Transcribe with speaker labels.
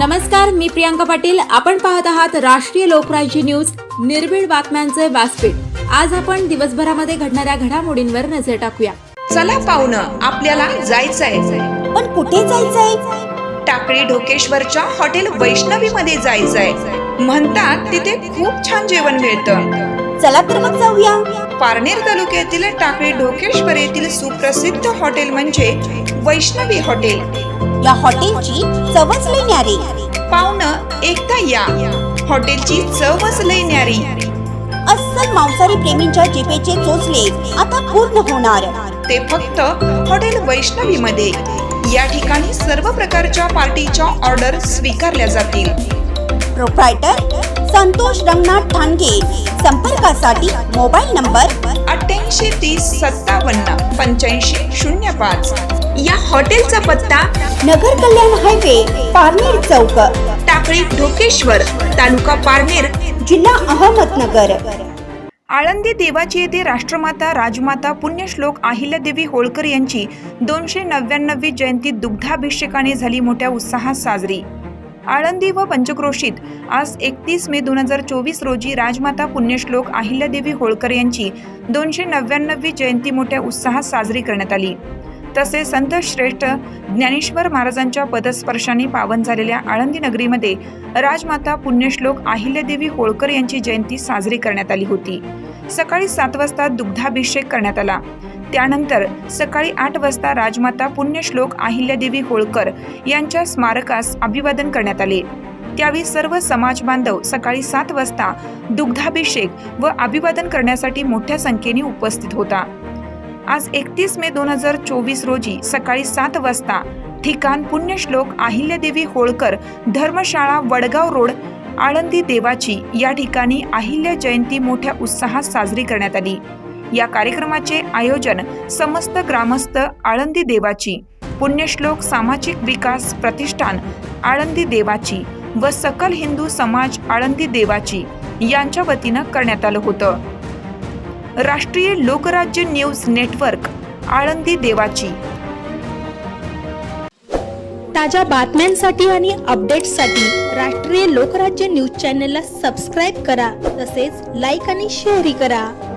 Speaker 1: नमस्कार, मी प्रियांका पाटील. आपण पाहत आहात राष्ट्रीय लोकराज्य न्यूज, निर्भीड बातम्यांचे व्यासपीठ. आज आपण दिवसभरामध्ये घडणाऱ्या घडामोडींवर नजर टाकूया.
Speaker 2: चला पाहुणं, आपल्याला जायचंय.
Speaker 3: पण कुठे जायचंय?
Speaker 2: टाकळी ढोकेश्वरच्या हॉटेल वैष्णवी मध्ये जायचंय. म्हणतात तिथे खूप छान जेवण मिळतं.
Speaker 3: चला तर मग जाऊया.
Speaker 2: पारनेर तालुक्यातील टाकळी ढोकेश्वर येथील सुप्रसिद्ध हॉटेल म्हणजे वैष्णवी हॉटेल.
Speaker 3: या हॉटेलची चवच लई न्यारी.
Speaker 2: पाहुणं, एकदा या. हॉटेलची चवच लई न्यारी.
Speaker 3: अस्सल मांसाहारी प्रेमींच्या जिभेचे चोचले आता पूर्ण होणार.
Speaker 2: ते फक्त हॉटेल वैष्णवी मध्ये. या ठिकाणी सर्व प्रकारच्या पार्टीच्या ऑर्डर स्वीकारल्या जातील.
Speaker 3: प्रोप्रायटर संतोष रंगनाथ ठाणगे. संपर्कासाठी मोबाईल नंबर
Speaker 2: 8830578505. या हॉटेलचा पत्ता
Speaker 3: नगर कल्याण हायवे, पारनेर चौक,
Speaker 2: टाकळी ढोकेश्वर, तालुका पारनेर,
Speaker 3: जिल्हा अहमदनगर.
Speaker 2: आळंदी देवाची येथे राष्ट्रमाता राजमाता पुण्यश्लोक अहिल्यादेवी होळकर यांची 299वी जयंती दुग्धाभिषेकाने झाली मोठ्या उत्साहात साजरी. आळंदी व पंचक्रोशीत आज 31 मे 2024 रोजी राजमाता पुण्यश्लोक अहिल्यादेवी होळकर यांची 299वी जयंती मोठ्या उत्साहात साजरी करण्यात आली. तसेच संत श्रेष्ठ ज्ञानेश्वर महाराजांच्या पदस्पर्शाने पावन झालेल्या आळंदी नगरीमध्ये राजमाता पुण्यश्लोक अहिल्यादेवी होळकर यांची जयंती साजरी करण्यात आली होती. सकाळी 7 वाजता दुग्धाभिषेक करण्यात आला. त्यानंतर सकाळी 8 वाजता राजमाता पुण्यश्लोक अहिल्यादेवी होळकर यांच्या स्मारकास अभिवादन करण्यात आले. त्यावेळी सर्व समाज बांधव सकाळी 7 वाजता दुग्धाभिषेक व अभिवादन करण्यासाठी मोठ्या संख्येने उपस्थित होता. आज 31 मे 2024 रोजी सकाळी 7 वाजता ठिकाण पुण्यश्लोक अहिल्यादेवी होळकर धर्मशाळा, वडगाव रोड, आळंदी देवाची या ठिकाणी अहिल्या जयंती मोठ्या उत्साहात साजरी करण्यात आली. या कार्यक्रमाचे आयोजन समस्त ग्रामस्थ आळंदी देवाची, पुण्यश्लोक सामाजिक विकास प्रतिष्ठान आळंदी देवाची व सकल हिंदू समाज आळंदी देवाची यांच्या वतीनं करण्यात आलं होतं. राष्ट्रीय लोकराज्य न्यूज नेटवर्क, आळंदी देवाची.
Speaker 4: ताज्या बातम्यांसाठी आणि अपडेट्ससाठी राष्ट्रीय लोकराज्य न्यूज चॅनलला सबस्क्राईब करा. तसेच लाईक आणि शेअरही करा.